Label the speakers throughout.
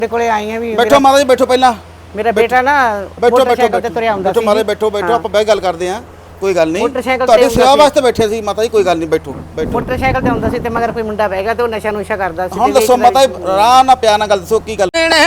Speaker 1: ਕੋਲੇ ਆਈ ਆ ਵੀ
Speaker 2: ਬੈਠੋ ਮਾਤਾ ਜੀ ਬੈਠੋ ਪਹਿਲਾਂ
Speaker 1: ਮੇਰਾ ਬੇਟਾ ਨਾ ਮੋਟਰਸਾਈਕਲ ਤੇ ਤੁਰਿਆ ਹੁੰਦਾ ਸੀ।
Speaker 2: ਬੈਠੋ ਮਾਤਾ ਬੈਠੋ ਬੈਠੋ ਆਪਾਂ ਬਹਿ ਗੱਲ ਕਰਦੇ ਆ ਕੋਈ ਗੱਲ ਨਹੀਂ
Speaker 1: ਮੋਟਰਸਾਈਕਲ
Speaker 2: ਤੁਹਾਡੀ ਸੇਵਾ ਵਾਸਤੇ ਬੈਠੇ ਸੀ ਮਾਤਾ ਜੀ ਕੋਈ ਗੱਲ ਨਹੀਂ ਬੈਠੋ ਬੈਠੋ
Speaker 1: ਮੋਟਰਸਾਈਕਲ ਤੇ ਹੁੰਦਾ ਸੀ ਤੇ ਮਗਰ ਕੋਈ ਮੁੰਡਾ ਬਹਿ ਗਿਆ ਤੇ ਉਹ ਨਸ਼ਾ ਨੁਸ਼ਾ ਕਰਦਾ ਸੀ।
Speaker 2: ਹੁਣ ਦੱਸੋ ਮਾਤਾ ਜੀ ਰਾਹ ਨਾ ਪਿਆ ਨਾ ਗੱਲ ਦੱਸੋ ਕੀ ਗੱਲ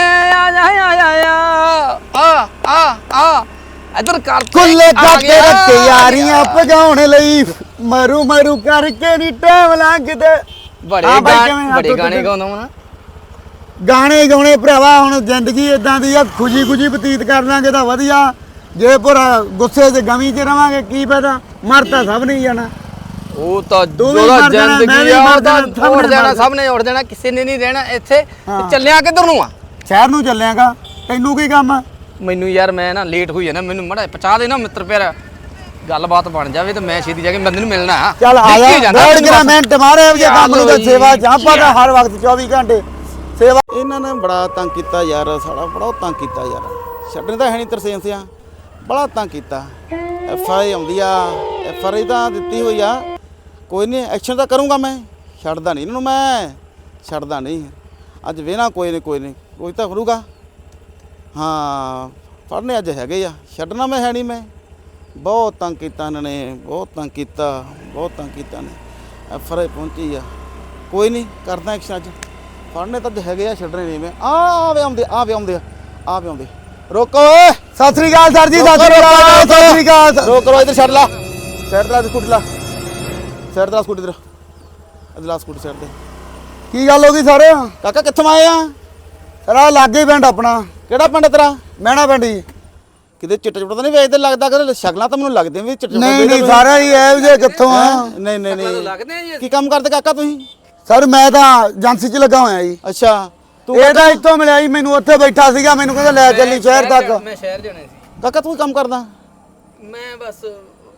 Speaker 3: ਆ ਇਧਰ ਕਰ
Speaker 4: ਕੁੱਲੇ ਕਰਦੇ ਤਿਆਰੀਆਂ ਭਜਾਉਣ ਲਈ ਮਰੂ ਮਰੂ ਕਰਕੇ ਨੀ ਟਾਈਮ ਲੰਘਦੇ।
Speaker 3: ਬੜੇ ਗਾਣੇ ਗਾਉਂਦਾ ਹਾਂ
Speaker 4: ਗਾਣੇ ਗਾਉਣੇ ਭਰਾਵਾ ਹੁਣ ਜ਼ਿੰਦਗੀ ਇਦਾਂ ਦੀ ਆ ਖੁਸ਼ੀ ਖੁਸ਼ੀ ਬਤੀਤ ਕਰ ਲਾਂਗੇ ਤਾਂ ਵਧੀਆ ਜੇ ਪੂਰਾ ਗੁੱਸੇ 'ਚ ਗਮੀ 'ਚ ਰਵਾਂਗੇ ਕੀ ਫਾਇਦਾ ਮਰ ਤਾਂ ਸਭ ਨਹੀਂ ਜਾਣਾ।
Speaker 3: ਉਹ ਤਾਂ
Speaker 4: ਉਹਦਾ
Speaker 3: ਜ਼ਿੰਦਗੀ ਆ ਉਹਦਾ ਉੱਡ ਜਾਣਾ ਸਭ ਨੇ ਉੱਡ ਜਾਣਾ ਕਿਸੇ ਨੇ ਨਹੀਂ ਰਹਿਣਾ ਇੱਥੇ ਤੇ ਚੱਲਿਆ ਕਿੱਧਰ ਨੂੰ ਆ
Speaker 4: ਸ਼ਹਿਰ ਨੂੰ ਚੱਲਿਆਗਾ ਤੈਨੂੰ ਕੀ ਕੰਮ ਆ
Speaker 3: ਮੈਨੂੰ ਯਾਰ ਮੈਂ ਨਾ ਲੇਟ ਹੋਈ ਨਾ ਮੈਨੂੰ ਮੜਾ ਪਹੁੰਚਾ ਦੇ ਨਾ ਮਿੱਤਰ ਪਿਆਰਾ ਗੱਲਬਾਤ ਬਣ ਜਾਵੇ ਤੇ ਮੈਂ ਛੇਤੀ ਜਾ ਕੇ ਬੰਦੇ ਨੂੰ ਮਿਲਣਾ
Speaker 4: ਚੱਲ ਆ ਜਾ ਡੇਢ ਗ੍ਰਾਮ ਮਿੰਟ ਮਾਰੇ ਜੇ ਕੰਮ ਨੂੰ ਤਾਂ ਸੇਵਾ ਚਾਂਪਾ ਦਾ ਹਰ ਵਕਤ 24 ਘੰਟੇ ਸੇਵਾ।
Speaker 2: ਇਹਨਾਂ ਨੇ ਬੜਾ ਤੰਗ ਕੀਤਾ ਯਾਰ ਸਾਲਾ ਬੜਾ ਤੰਗ ਕੀਤਾ ਯਾਰ ਛੱਡਣ ਤਾਂ ਹੈ ਨਹੀਂ ਤਰਸੇਮ ਸਿਆ ਬੜਾ ਤੰਗ ਕੀਤਾ FI ਆਉਂਦੀ ਆ FI ਤਾਂ ਦਿੱਤੀ ਹੋਈ ਆ ਕੋਈ ਨਹੀਂ ਐਕਸ਼ਨ ਤਾਂ ਕਰੂੰਗਾ ਮੈਂ ਛੱਡਦਾ ਨਹੀਂ ਇਹਨਾਂ ਨੂੰ ਮੈਂ ਛੱਡਦਾ ਨਹੀਂ ਅੱਜ ਵੇਣਾ ਕੋਈ ਨਹੀਂ ਤਾਂ ਕਰੂਗਾ ਹਾਂ ਫੜਨੇ ਅੱਜ ਹੈਗੇ ਆ ਛੱਡਣਾ ਮੈਂ ਹੈ ਨਹੀਂ ਮੈਂ ਬਹੁਤ ਤੰਗ ਕੀਤਾ ਇਹਨਾਂ ਨੇ ਬਹੁਤ ਤੰਗ ਕੀਤਾ ਨੇ FI ਪਹੁੰਚੀ ਆ ਕੋਈ ਨਹੀਂ ਕਰਦਾ ਐਕਸ਼ਨ ਅੱਜ ਫੜਨੇ ਤਾਂ ਹੈਗੇ ਆ ਛੱਡਣੇ ਨਹੀਂ ਮੈਂ ਆਵੇ ਆਉਂਦੇ ਰੋਕੋ ਓਏ
Speaker 4: ਸਤਿ ਸ੍ਰੀ ਅਕਾਲ ਸਰ ਜੀ ਸਤਿ ਸ੍ਰੀ ਅਕਾਲ
Speaker 2: ਰੋਕੋ ਇੱਧਰ ਛੱਡ ਲਾ ਸਾਈਡ ਤੇ ਸਕੂਟੀ ਲਾ ਸਾਈਡ ਤੇ ਸਕੂਟੀ ਇਧਰ ਸਕੂਟੀ ਸਾਈਡ ਤੇ
Speaker 4: ਕੀ ਗੱਲ ਹੋ ਗਈ ਸਰ
Speaker 2: ਕਾਕਾ ਕਿੱਥੋਂ ਆਏ ਆ
Speaker 4: ਸਰ ਆ ਲਾਗੇ ਪਿੰਡ ਆਪਣਾ
Speaker 2: ਕਿਹੜਾ ਪਿੰਡ ਤੇਰਾ
Speaker 4: ਮਹਿਣਾ ਪਿੰਡ ਜੀ
Speaker 2: ਕਿਤੇ ਚਿੱਟਾ ਚੁੱਟਾ ਤਾਂ ਨਹੀਂ ਵੇਚਦੇ ਲੱਗਦਾ ਕਿ ਸ਼ਕਲਾਂ ਤਾਂ ਮੈਨੂੰ ਲੱਗਦੇ ਵੀ ਚਿੱਟਾ
Speaker 4: ਨਹੀਂ ਸਾਰਾ ਹੀ ਐ ਜੇ ਕਿੱਥੋਂ ਆ
Speaker 2: ਨਹੀਂ ਕੀ ਕੰਮ ਕਰਦੇ ਕਾਕਾ ਤੁਸੀਂ
Speaker 4: ਸਰ ਮੈਂ ਤਾਂ ਏਜੰਸੀ 'ਚ ਲੱਗਾ ਹੋਇਆ ਜੀ।
Speaker 2: ਅੱਛਾ
Speaker 4: ਤੂੰ ਇਹ ਤਾਂ ਇੱਥੋਂ ਮਿਲਿਆ ਜੀ ਮੈਨੂੰ ਉੱਥੇ ਬੈਠਾ ਸੀਗਾ ਮੈਨੂੰ ਕਹਿੰਦਾ ਲੈ ਚੱਲੀ ਸ਼ਹਿਰ ਤੱਕ
Speaker 3: ਮੈਂ ਸ਼ਹਿਰ ਜਾਣਾ ਸੀ
Speaker 2: ਕਾਕਾ ਤੂੰ ਕੰਮ ਕਰਦਾ
Speaker 3: ਮੈਂ ਬਸ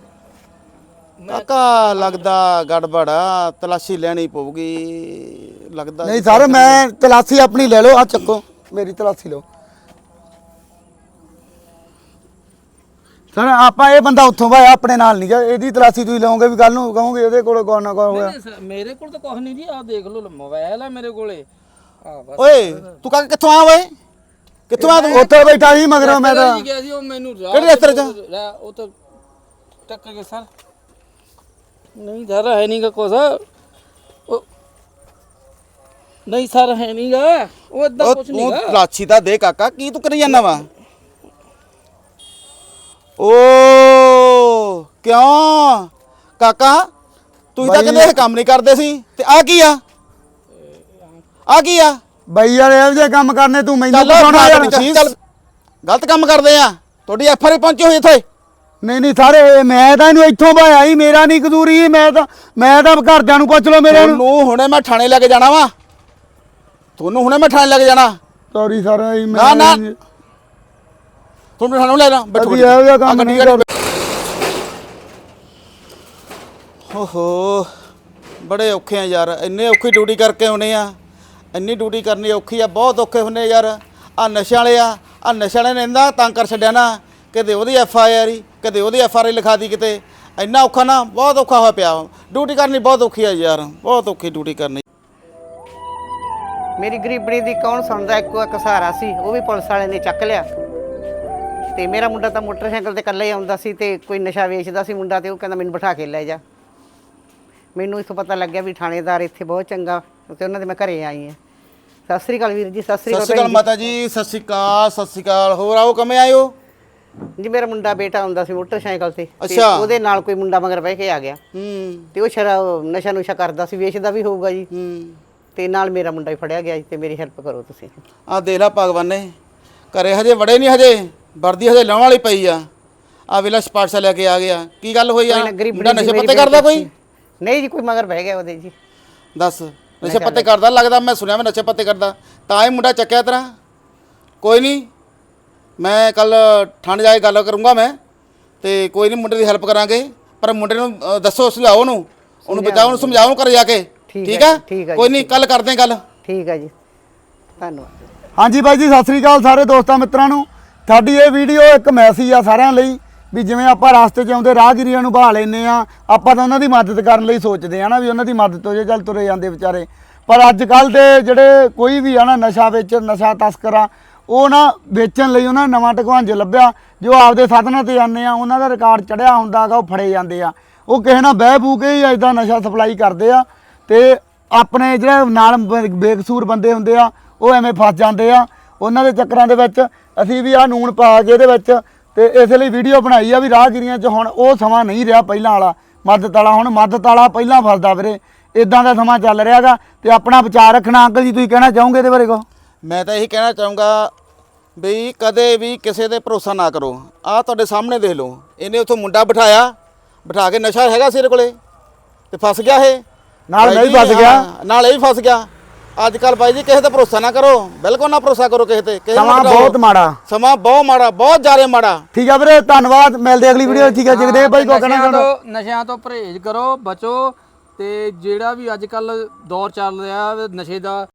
Speaker 2: ਕਾਕਾ ਲੱਗਦਾ ਗੜਬੜਾ ਤਲਾਸ਼ੀ ਲੈਣੀ ਪਊਗੀ ਲੱਗਦਾ
Speaker 4: ਨਹੀਂ ਸਰ ਮੈਂ ਤਲਾਸ਼ੀ ਆਪਣੀ ਲੈ ਲਓ ਆ ਚੱਕੋ ਮੇਰੀ ਤਲਾਸ਼ੀ ਲਓ ਸਰ ਆਪਾਂ ਇਹ ਬੰਦਾ ਉੱਥੋਂ ਭਾਇਆ ਆਪਣੇ ਨਾਲ ਨਹੀਂ ਗਿਆ ਇਹਦੀ ਤਲਾਸ਼ੀ ਤੁਸੀਂ ਲਓਗੇ ਵੀ ਕੱਲ ਨੂੰ ਕਹੋਗੇ ਇਹਦੇ ਕੋਲ ਕੋਈ ਨਾ ਕੋਈ ਹੋਇਆ
Speaker 3: ਮੇਰੇ ਕੋਲ ਤਾਂ ਕੁਝ ਨਹੀਂ ਜੀ ਆ ਦੇਖ ਲਓ ਮੋਬਾਈਲ ਆ ਮੇਰੇ ਕੋਲੇ
Speaker 2: ਓਏ ਤੂੰ ਕਾਕਾ ਕਿੱਥੋਂ ਆਇਆ ਓਏ ਕਿੱਥੋਂ ਆ ਤੂੰ
Speaker 4: ਉੱਥੇ ਬੈਠਾ ਸੀ ਮਗਰੋਂ ਮੈਂ ਤਾਂ
Speaker 3: ਗਿਆ ਸੀ ਉਹ ਮੈਨੂੰ
Speaker 2: ਕਿਹੜੇ ਰਸਤੇ 'ਚ
Speaker 3: ਉਹ ਤਾਂ ਟੱਕਰ ਗਿਆ ਸਰ ਨਹੀਂ ਸਰ ਹੈ ਨਹੀਂਗਾ ਕੁਛ ਉਹ ਨਹੀਂ ਸਰ ਹੈ ਨਹੀਂਗਾ ਉਹ ਇਦਾਂ ਕੁਛ
Speaker 2: ਤੂੰ
Speaker 3: ਨਹੀਂਗਾ
Speaker 2: ਤਲਾਸ਼ੀ ਤਾਂ ਦੇ ਕਾਕਾ ਕੀ ਤੂੰ ਕਰੀ ਜਾਂਦਾ ਵਾ ਓ ਕਿਉਂ ਕਾਕਾ ਤੂੰ ਤਾਂ ਕਹਿੰਦੇ ਇਹ ਕੰਮ ਨਹੀਂ ਕਰਦੇ ਸੀ ਤੇ ਆ ਕੀ ਆ
Speaker 4: ਬਈ ਯਾਰ ਇਹੋ ਜਿਹੇ ਕੰਮ ਕਰਨੇ ਤੂੰ ਮੈਨੂੰ ਪਛਾਉਣਾ ਯਾਰ
Speaker 2: ਚੱਲ ਗਲਤ ਕੰਮ ਕਰਦੇ ਆ ਤੁਹਾਡੀ FI ਪਹੁੰਚੀ ਹੋਈ ਇੱਥੇ
Speaker 4: ਨਹੀਂ ਸਾਰੇ ਮੈਂ ਤਾਂ ਇਹਨੂੰ ਇੱਥੋਂ ਭਾਇਆ ਹੀ ਮੇਰਾ ਨਹੀਂ ਕਦੂਰੀ ਮੈਂ ਤਾਂ ਘਰਦਿਆਂ ਨੂੰ ਪੁੱਛ ਲਓ ਮੇਰੇ ਨੂੰ
Speaker 2: ਤੁਹਾਨੂੰ ਹੁਣੇ ਮੈਂ ਥਾਣੇ ਲੈ ਕੇ ਜਾਣਾ ਵਾ
Speaker 4: ਸੌਰੀ ਸਰ
Speaker 2: ਨਾ ਤੁਹਾਨੂੰ ਥਾਣੇ ਲੈ ਜਾ ਬੈਠੋ
Speaker 4: ਇਹੋ ਜਿਹਾ ਕੰਮ ਨਹੀਂ ਕਰ
Speaker 2: ਓਹੋ ਬੜੇ ਔਖੇ ਆ ਯਾਰ ਇੰਨੇ ਔਖੀ ਡਿਊਟੀ ਕਰਕੇ ਆਉਨੇ ਆ ਇੰਨੀ ਡਿਊਟੀ ਕਰਨੀ ਔਖੀ ਆ ਬਹੁਤ ਔਖੇ ਹੁੰਨੇ ਯਾਰ ਆ ਨਸ਼ਿਆਂ ਵਾਲੇ ਨੇ ਇੰਨਾ ਤੰਗ ਕਰ ਛੱਡਿਆ ਨਾ ਕਦੇ ਉਹਦੀ FIR ਕਦੇ ਉਹਦੀ FRI ਲਿਖਾਤੀ ਕਿਤੇ ਇੰਨਾ ਔਖਾ ਨਾ ਬਹੁਤ ਔਖਾ ਹੋਇਆ ਪਿਆ ਡਿਊਟੀ ਕਰਨੀ ਬਹੁਤ ਔਖੀ ਆ ਯਾਰ ਬਹੁਤ ਔਖੀ ਡਿਊਟੀ ਕਰਨੀ
Speaker 1: ਮੇਰੀ ਗਰੀਬਣੀ ਦੀ ਕੌਣ ਸੁਣਦਾ ਇੱਕ ਸਹਾਰਾ ਸੀ ਉਹ ਵੀ ਪੁਲਿਸ ਵਾਲੇ ਨੇ ਚੱਕ ਲਿਆ ਤੇ ਮੇਰਾ ਮੁੰਡਾ ਤਾਂ ਮੋਟਰਸਾਈਕਲ ਤੇ ਇਕੱਲਾ ਹੀ ਆਉਂਦਾ ਸੀ ਤੇ ਕੋਈ ਨਸ਼ਾ ਵੇਚਦਾ ਸੀ ਮੁੰਡਾ ਤੇ ਉਹ ਕਹਿੰਦਾ ਮੈਨੂੰ ਬਿਠਾ ਕੇ ਲੈ ਜਾ ਮੈਨੂੰ ਇੱਥੋਂ ਪਤਾ ਲੱਗਿਆ ਵੀ ਥਾਣੇਦਾਰ ਇੱਥੇ ਬਹੁਤ ਚੰਗਾ ਤੇ ਉਹਨਾਂ ਦੇ ਮੈਂ ਘਰੇ ਆਈ ਹਾਂ। ਸਤਿ ਸ੍ਰੀ ਅਕਾਲ ਵੀਰ ਜੀ ਸਤਿ ਸ੍ਰੀ ਅਕਾਲ
Speaker 2: ਮਾਤਾ ਜੀ ਸਤਿ ਸ੍ਰੀ ਅਕਾਲ ਹੋਰ ਆਓ ਕਿਵੇਂ ਆਏ ਹੋ
Speaker 1: ਜੀ ਮੇਰਾ ਮੁੰਡਾ ਬੇਟਾ ਆਉਂਦਾ ਸੀ ਮੋਟਰਸਾਈਕਲ ਤੇ
Speaker 2: ਅੱਛਾ
Speaker 1: ਉਹਦੇ ਨਾਲ ਕੋਈ ਮੁੰਡਾ ਮਗਰ ਬਹਿ ਕੇ ਆ ਗਿਆ ਤੇ ਉਹ ਸ਼ਰਾਬ ਨਸ਼ਾ ਨੁਸ਼ਾ ਕਰਦਾ ਸੀ ਵੇਚਦਾ ਵੀ ਹੋਊਗਾ ਜੀ ਤੇ ਨਾਲ ਮੇਰਾ ਮੁੰਡਾ ਹੀ ਫੜਿਆ ਗਿਆ ਤੇ ਮੇਰੀ ਹੈਲਪ ਕਰੋ ਤੁਸੀਂ
Speaker 2: ਆ ਦੇਖ ਲਾ ਭਗਵਾਨ ਨੇ ਘਰੇ ਹਜੇ ਵੜੇ ਨਹੀਂ ਹਜੇ ਵਰਦੀ ਹਜੇ ਲਾਉਣ ਵਾਲੀ ਪਈ ਆ ਵੇਲਾ ਸਪਾਰਟਸਾ ਲੈ ਕੇ ਆ ਗਿਆ ਕੀ ਗੱਲ ਹੋਈ ਆ ਮੁੰਡਾ ਨਸ਼ੇ ਪੱਤੇ ਕਰਦਾ ਕੋਈ
Speaker 1: ਨਹੀਂ ਜੀ ਕੋਈ ਮਗਰ ਬਹਿ ਗਿਆ ਉਹਦੇ ਜੀ
Speaker 2: ਦੱਸ ਨਸ਼ੇ ਪੱਤੇ ਕਰਦਾ ਲੱਗਦਾ ਮੈਂ ਸੁਣਿਆ ਮੈਂ ਨਸ਼ੇ ਪੱਤੇ ਕਰਦਾ ਤਾਂ ਇਹ ਮੁੰਡਾ ਚੱਕਿਆ ਤੇਰਾ ਕੋਈ ਨਹੀਂ ਮੈਂ ਕੱਲ ਥਾਣੇ ਜਾ ਕੇ ਗੱਲ ਕਰੂੰਗਾ ਮੈਂ ਤੇ ਕੋਈ ਨਹੀਂ ਮੁੰਡੇ ਦੀ ਹੈਲਪ ਕਰਾਂਗੇ ਪਰ ਮੁੰਡੇ ਨੂੰ ਦੱਸੋ ਸਮਝਾਓ ਉਹਨੂੰ ਬਚਾਓ ਉਹਨੂੰ ਸਮਝਾਓ ਕਰ ਜਾ ਕੇ ਠੀਕ ਆ ਕੋਈ ਨਹੀਂ ਕੱਲ ਕਰਦੇ ਗੱਲ
Speaker 1: ਠੀਕ ਆ ਜੀ ਧੰਨਵਾਦ
Speaker 4: ਹਾਂਜੀ ਬਾਈ ਜੀ ਸਤਿ ਸ੍ਰੀ ਅਕਾਲ ਸਾਰੇ ਦੋਸਤਾਂ ਮਿੱਤਰਾਂ ਨੂੰ ਸਾਡੀ ਇਹ ਵੀਡੀਓ ਇੱਕ ਮੈਸੇਜ ਆ ਸਾਰਿਆਂ ਲਈ ਵੀ ਜਿਵੇਂ ਆਪਾਂ ਰਸਤੇ 'ਚ ਆਉਂਦੇ ਰਾਹਗੀਰਾਂ ਨੂੰ ਬਹਾ ਲੈਂਦੇ ਆ ਆਪਾਂ ਤਾਂ ਉਹਨਾਂ ਦੀ ਮਦਦ ਕਰਨ ਲਈ ਸੋਚਦੇ ਆ ਨਾ ਵੀ ਉਹਨਾਂ ਦੀ ਮਦਦ ਹੋ ਜੇ ਚੱਲ ਤੁਰੇ ਜਾਂਦੇ ਵਿਚਾਰੇ ਪਰ ਅੱਜ ਕੱਲ ਦੇ ਜਿਹੜੇ ਕੋਈ ਵੀ ਆ ਨਾ ਨਸ਼ਾ ਨਸ਼ਾ ਤਸਕਰ ਆ, ਉਹ ਨਾ ਵੇਚਣ ਲਈ ਉਹਨਾਂ ਨਵਾਂ ਟਕਵਾਂਜ ਲੱਭਿਆ। ਜੋ ਆਪਦੇ ਸਾਧਨਾਂ ਤੇ ਜਾਂਦੇ ਆ ਉਹਨਾਂ ਦਾ ਰਿਕਾਰਡ ਚੜਿਆ ਹੁੰਦਾਗਾ, ਉਹ ਫੜੇ ਜਾਂਦੇ ਆ। ਉਹ ਕਿਸੇ ਨਾਲ ਬਹਿ ਬੂ ਕੇ ਹੀ ਇਦਾਂ ਨਸ਼ਾ ਸਪਲਾਈ ਕਰਦੇ ਆ ਤੇ ਆਪਣੇ ਜਿਹੜੇ ਨਾਲ ਬੇਕਸੂਰ ਬੰਦੇ ਹੁੰਦੇ ਆ ਉਹ ਐਵੇਂ ਫਸ ਜਾਂਦੇ ਆ ਉਹਨਾਂ ਦੇ ਚੱਕਰਾਂ ਦੇ ਵਿੱਚ। ਅਸੀਂ ਵੀ ਆ ਨੂਣ ਪਾ ਕੇ ਇਹਦੇ ਵਿੱਚ ਤੇ ਇਸ ਲਈ ਵੀਡੀਓ ਬਣਾਈ ਆ ਵੀ ਰਾਹਗੀਰੀਆਂ 'ਚ ਹੁਣ ਉਹ ਸਮਾਂ ਨਹੀਂ ਰਿਹਾ ਪਹਿਲਾਂ ਵਾਲਾ ਮਦਦ ਵਾਲਾ। ਹੁਣ ਮਦਦ ਵਾਲਾ ਪਹਿਲਾਂ ਫਸਦਾ ਵੀਰੇ, ਇਦਾਂ ਦਾ ਸਮਾਂ ਚੱਲ ਰਿਹਾਗਾ ਤੇ ਆਪਣਾ ਵਿਚਾਰ ਰੱਖਣਾ। ਅੰਕਲ ਜੀ ਤੁਸੀਂ ਕਹਿਣਾ ਚਾਹੋਗੇ ਇਹਦੇ ਬਾਰੇ ਕੋ?
Speaker 2: ਮੈਂ ਤਾਂ ਇਹੀ ਕਹਿਣਾ ਚਾਹੂੰਗਾ ਵੀ ਕਦੇ ਵੀ ਕਿਸੇ ਤੇ ਭਰੋਸਾ ਨਾ ਕਰੋ। ਆਹ ਤੁਹਾਡੇ ਸਾਹਮਣੇ ਦੇਖ ਲਓ, ਇਹਨੇ ਉੱਥੋਂ ਮੁੰਡਾ ਬਿਠਾ ਕੇ ਨਸ਼ਾ ਹੈਗਾ ਸੀ ਇਹਦੇ ਕੋਲੇ ਤੇ ਫਸ ਗਿਆ ਇਹ
Speaker 4: ਨਾਲ
Speaker 2: ਬਾਈ
Speaker 4: ਨਹੀਂ
Speaker 2: ਜੀ,
Speaker 4: ਫਸ ਗਿਆ।
Speaker 2: ਹਾਂ, ਨਾਲ ਇਹ ਵੀ ਫਸ ਗਿਆ। ਅੱਜ ਕੱਲ ਬਾਈ ਜੀ ਕਿਸੇ ਤੇ ਭਰੋਸਾ ਨਾ ਕਰੋ, ਬਿਲਕੁਲ ਨਾ ਭਰੋਸਾ ਕਰੋ ਕਿਸੇ ਤੇ। ਕਿਸੇ ਨੂੰ
Speaker 4: ਸਮਾਂ
Speaker 2: ਬਿਠਾਓ।
Speaker 4: ਬਹੁਤ ਮਾੜਾ,
Speaker 2: ਸਮਾਂ ਬਹੁਤ ਮਾੜਾ, ਬਹੁਤ ਜ਼ਿਆਦਾ ਮਾੜਾ।
Speaker 4: ਠੀਕ ਆ ਵੀਰੇ, ਧੰਨਵਾਦ। ਮਿਲਦੇ ਅਗਲੀ ਵੀਡੀਓ। ਠੀਕ ਹੈ ਜਗਦੇਵ ਬਾਈ ਕੋ ਕਹਿਣਾ ਚਾਹੁੰਦਾ?
Speaker 3: ਨਸ਼ਿਆਂ ਤੋਂ ਪਰਹੇਜ਼ ਕਰੋ, ਬਚੋ। ਤੇ ਜਿਹੜਾ ਵੀ ਅੱਜ ਕੱਲ ਦੌਰ ਚੱਲ ਰਿਹਾ ਨਸ਼ੇ ਦਾ,